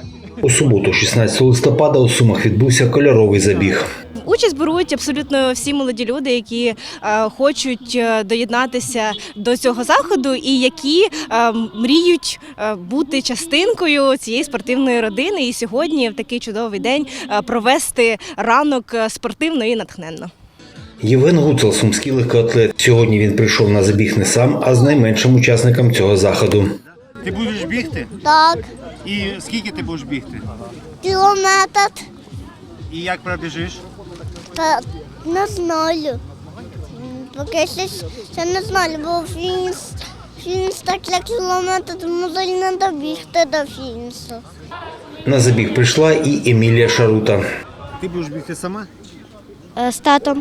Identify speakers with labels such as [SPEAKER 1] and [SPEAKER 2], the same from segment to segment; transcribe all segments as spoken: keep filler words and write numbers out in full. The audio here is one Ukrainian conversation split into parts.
[SPEAKER 1] У суботу, шістнадцятого листопада, у Сумах відбувся кольоровий забіг.
[SPEAKER 2] Участь беруть абсолютно всі молоді люди, які е, хочуть е, доєднатися до цього заходу і які е, мріють е, бути частинкою цієї спортивної родини. І сьогодні, в такий чудовий день, е, провести ранок спортивно і натхненно.
[SPEAKER 1] Євген Гуцул – сумський легкоатлет. Сьогодні він прийшов на забіг не сам, а з найменшим учасником цього заходу.
[SPEAKER 3] Ти будеш бігти?
[SPEAKER 4] Так,
[SPEAKER 3] І скільки ти будеш бігти?
[SPEAKER 4] кілометр.
[SPEAKER 3] І як пробіжиш?
[SPEAKER 4] Та не знаю. Поки ще, ще не знаю, бо фініш, фініш так для кілометра, тому не добігти до фінішу.
[SPEAKER 1] На забіг прийшла і Емілія Шарута.
[SPEAKER 3] Ти будеш бігти сама?
[SPEAKER 4] З татом.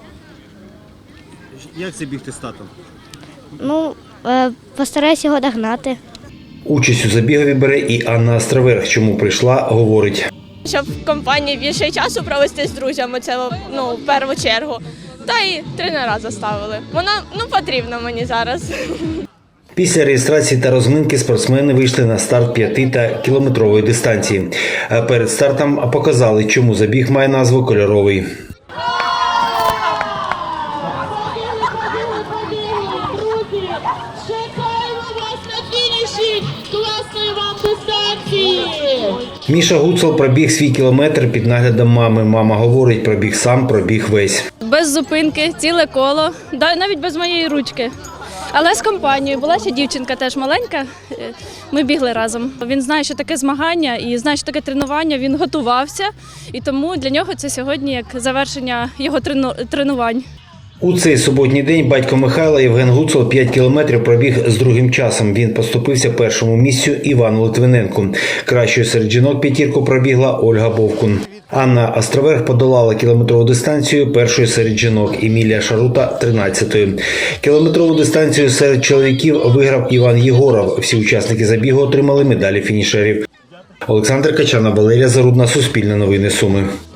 [SPEAKER 3] Як це бігти з татом?
[SPEAKER 4] Ну, постараюся його догнати.
[SPEAKER 1] Участь у забігові бере і Анна Островерх. Чому прийшла, говорить.
[SPEAKER 5] Щоб в компанії більше часу провести з друзями, це ну, в першу чергу. Та й тренера заставили. Вона ну, потрібна мені зараз.
[SPEAKER 1] Після реєстрації та розминки спортсмени вийшли на старт п'яти та кілометрової дистанції. А перед стартом показали, чому забіг має назву «Кольоровий».
[SPEAKER 6] Чекаємо вас на фініші класної вам дистанції!
[SPEAKER 1] Міша Гуцул пробіг свій кілометр під наглядом мами. Мама говорить, пробіг сам, пробіг весь.
[SPEAKER 7] Без зупинки, ціле коло, навіть без моєї ручки. Але з компанією. Була ще дівчинка теж маленька, ми бігли разом. Він знає, що таке змагання і знає, що таке тренування, він готувався. І тому для нього це сьогодні як завершення його тренувань.
[SPEAKER 1] У цей суботній день батько Михайла Євген Гуцул п'ять кілометрів пробіг з другим часом. Він поступився першому місцю Івану Литвиненку. Кращою серед жінок п'ятірку пробігла Ольга Бовкун. Анна Островерх подолала кілометрову дистанцію першою серед жінок, Емілія Шарута – тринадцятою. Кілометрову дистанцію серед чоловіків виграв Іван Єгоров. Всі учасники забігу отримали медалі фінішерів. Олександр Качана, Валерія Зарудна, Суспільне новини Суми.